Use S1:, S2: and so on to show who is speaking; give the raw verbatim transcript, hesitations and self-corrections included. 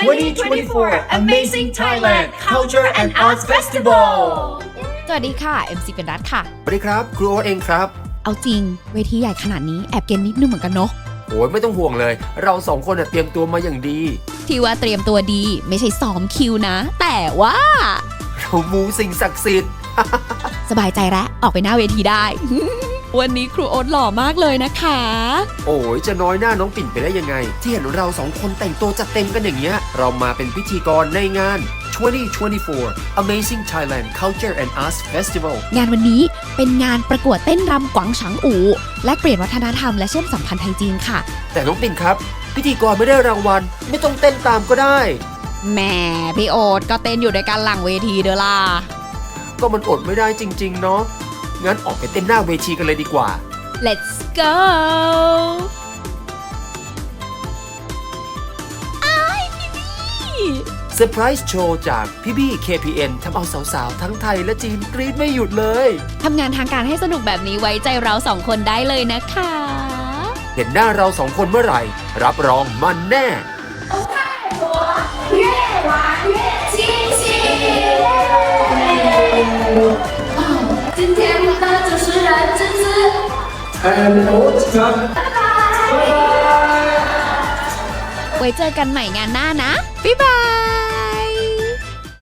S1: twenty twenty-four Amazing Thailand Culture and Arts Festival
S2: สวัสดีค่ะ เอ็ม ซี เป็นรัฐค่ะ
S3: สวัสดีครับครูโอ๊ตเองครับ
S2: เอาจริงเวทีใหญ่ขนาดนี้แอบเกณฑ์นิดนึงเหมือนกันเนาะ
S3: โอ้ยไม่ต้องห่วงเลยเราสองคนเตรียมตัวมาอย่างดี
S2: ที่ว่าเตรียมตัวดีไม่ใช่ซ้อมคิวนะแต่ว่า
S3: เรามูสิ่งศักดิ์สิทธิ์
S2: สบายใจแล้วออกไปหน้าเวทีได้ วันนี้ครูโอ๊ตหล่อมากเลยนะคะ
S3: โอ้ยจะน้อยหน้าน้องปิ่นไปได้ยังไงที่เห็นเราสองคนแต่งตัวจัดเต็มกันอย่างเงี้ยเรามาเป็นพิธีกรในงาน twenty twenty-four Amazing Thailand Culture and Arts Festival
S2: งานวันนี้เป็นงานประกวดเต้นรำกวางฉังอู่และเปลี่ยนวัฒนธรรมและเชื่อมสัมพันธ์ไทยจีนค่ะ
S3: แต่น้องปิ่นครับพิธีกรไม่ได้รางวัลไม่ต้องเต้นตามก็ได้
S2: แหมพี่โอ๊ตก็เต้นอยู่ในการหลังเวทีเด้อล่ะ
S3: ก็มันอดไม่ได้จริงๆเนาะงั้นออกไปเต้นหน้าเวทีกันเลยดีกว่า
S2: Let's go อ้ายพี่บี้
S3: เซอร์ไพรส์โชว์จากพี่บี้ เค พี เอ็น ทำเอาสาวๆทั้งไทยและจีนกรี๊ดไม่หยุดเลย
S2: ทำงานทางการให้สนุกแบบนี้ไว้ใจเราสองคนได้เลยนะคะ
S3: เห็นหน้าเราสองคนเมื่อไหร่รับรองมันแน่
S2: 今天的主持人芝芝
S1: and Oscar
S2: ไว้เจอกันใหม่งานหน้านะบ๊ายบาย